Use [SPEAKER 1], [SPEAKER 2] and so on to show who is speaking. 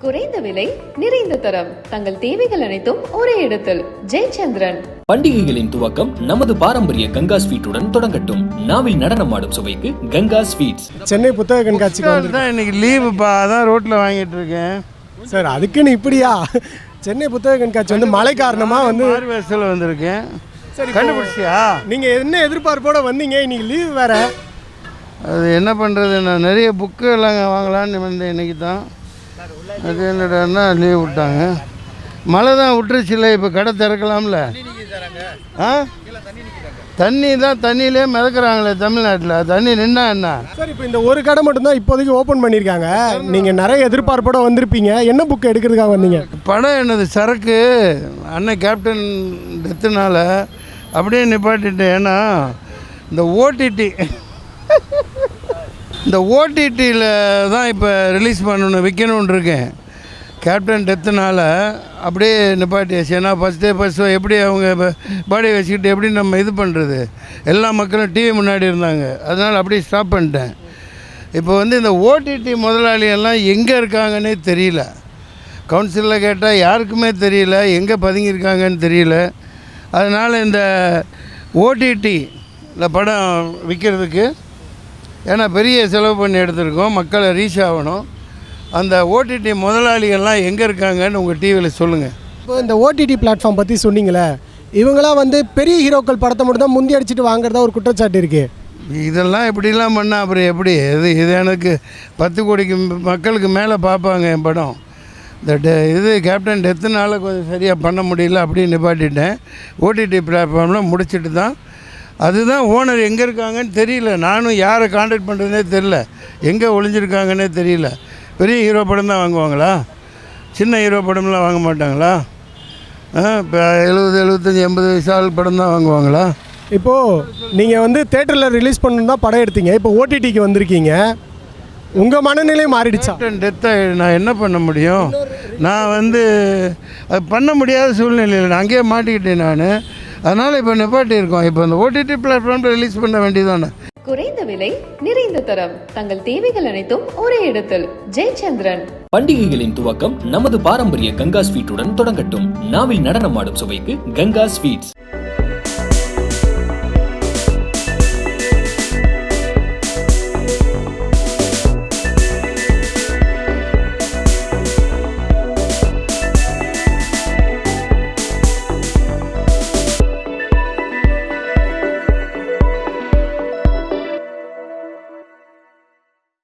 [SPEAKER 1] குறைந்த விலை நிறைந்த தரம் தங்கள் தேவைகள் அனைத்தும் ஒரே இடத்தில் ஜெயச்சந்திரன்.
[SPEAKER 2] பண்டிகைகளின் துவக்கம் நமது பாரம்பரிய கங்கா ஸ்வீட்டுடன் தொடங்கட்டும். நாவில் நடனமாடும் சுவைக்கு கங்கா ஸ்வீட்ஸ்.
[SPEAKER 3] சென்னை புத்தக கண்காட்சிக்கு
[SPEAKER 4] தான் இன்னைக்கு லீவுப்பா, அதான் ரோட்டில் வாங்கிட்டு இருக்கேன்
[SPEAKER 3] சார். அதுக்குன்னு இப்படியா? சென்னை புத்தக கண்காட்சி வந்து மழை காரணமா வந்து
[SPEAKER 4] வேசல் வந்திருக்கேன்.
[SPEAKER 3] சரி,
[SPEAKER 4] கண்டுபிடிச்சியா?
[SPEAKER 3] நீங்க என்ன எதிர்பார்ப்போட வந்தீங்க? இன்னைக்கு லீவ் வேற.
[SPEAKER 4] அது என்ன பண்ணுறது, நான் நிறைய புக்கு எல்லாம் வாங்கலான்னு வந்தேன் இன்னைக்கு தான். அது என்னடான்னா லீவ் விட்டாங்க. மழை தான் விட்டுருச்சுல்ல, இப்போ கடை திறக்கலாம்ல. ஆ தண்ணி தான், தண்ணியிலே மிதக்குறாங்களே தமிழ்நாட்டில். தண்ணி நின்னா என்ன
[SPEAKER 3] சார்? இப்போ இந்த ஒரு கடை மட்டும்தான் இப்போதைக்கு ஓப்பன் பண்ணியிருக்காங்க. நீங்கள் நிறைய எதிர்பார்ப்போட வந்திருப்பீங்க. என்ன புக்கு எடுக்கிறதுக்காக வந்தீங்க?
[SPEAKER 4] படம் என்னது, சரக்கு. அண்ணன் கேப்டன் டெத்துனால அப்படியே நிப்பாட்டிட்டேன். ஏன்னா இந்த ஓடிடியில் தான் இப்போ ரிலீஸ் பண்ணணும், விற்கணுன்னு இருக்கேன். கேப்டன் டெத்துனால அப்படியே நிப்பாட்டியாச்சு. ஏன்னா ஃபஸ்ட்டு எப்படி அவங்க பாடியை வச்சுக்கிட்டு எப்படி நம்ம இது பண்ணுறது, எல்லா மக்களும் டிவி முன்னாடி இருந்தாங்க, அதனால் அப்படியே ஸ்டாப் பண்ணிட்டேன். இப்போ வந்து இந்த ஓடிடி முதலாளியெல்லாம் எங்கே இருக்காங்கன்னே தெரியல. கவுன்சிலில் கேட்டால் யாருக்குமே தெரியல, எங்கே பதுங்கியிருக்காங்கன்னு தெரியல. அதனால் இந்த ஓடிடியில் படம் விற்கிறதுக்கு, ஏன்னா பெரிய செலவு பண்ணி எடுத்துருக்கோம், மக்களை ரீச் ஆகணும். அந்த ஓடிடி முதலாளிகள்லாம் எங்கே இருக்காங்கன்னு உங்கள் டிவியில் சொல்லுங்கள்.
[SPEAKER 3] இப்போ இந்த ஓடிடி பிளாட்ஃபார்ம் பற்றி சொன்னீங்களே, இவங்களாம் வந்து பெரிய ஹீரோக்கள் படத்தை மட்டும் தான் முந்தி அடிச்சுட்டு வாங்குறதா ஒரு குற்றச்சாட்டு இருக்குது.
[SPEAKER 4] இதெல்லாம் இப்படிலாம் பண்ணால் அப்புறம் எப்படி? இது எனக்கு 10 கோடிக்கு மக்களுக்கு மேலே பார்ப்பாங்க என் படம். இது கேப்டன் டெத்துனால கொஞ்சம் சரியாக பண்ண முடியல, அப்படியே நிப்பாட்டிட்டேன். ஓடிடி பிளாட்ஃபார்மில் முடிச்சுட்டு தான். அதுதான் ஓனர் எங்கே இருக்காங்கன்னு தெரியல. நானும் யாரை கான்டாக்ட் பண்ணுறதுனே தெரியல, எங்கே ஒளிஞ்சிருக்காங்கன்னே தெரியல. பெரிய ஹீரோ படம் தான் வாங்குவாங்களா? சின்ன ஹீரோ படம்லாம் வாங்க மாட்டாங்களா? இப்போ 70, 75, 80 வயசு ஆள் படம் தான் வாங்குவாங்களா?
[SPEAKER 3] இப்போது நீங்கள் வந்து தேட்டரில் ரிலீஸ் பண்ணணும் தான் படம் எடுத்தீங்க, இப்போ ஓடிடிக்கு வந்திருக்கீங்க. உங்கள் மனநிலை மாறிடுச்சா?
[SPEAKER 4] கேப்டன் டெத்தை நான் என்ன பண்ண முடியும்? நான் வந்து அது பண்ண முடியாத சூழ்நிலையில் நான் அங்கேயே மாட்டிக்கிட்டேன் நான். அதனால் இப்போ நிப்பாட்டி இருக்கோம். இப்போ இந்த ஓடிடி பிளாட்ஃபார்மில் ரிலீஸ் பண்ண வேண்டியதானே.
[SPEAKER 1] குறைந்த விலை நிறைந்த தரம் தங்கள் தேவைகள் அனைத்தும் ஒரே இடத்தில் ஜெயச்சந்திரன்.
[SPEAKER 2] பண்டிகைகளின் துவக்கம் நமது பாரம்பரிய கங்கா ஸ்வீட்டுடன் தொடங்கட்டும். நாவில் நடனமாடும் சுவைக்கு கங்கா ஸ்வீட்ஸ்.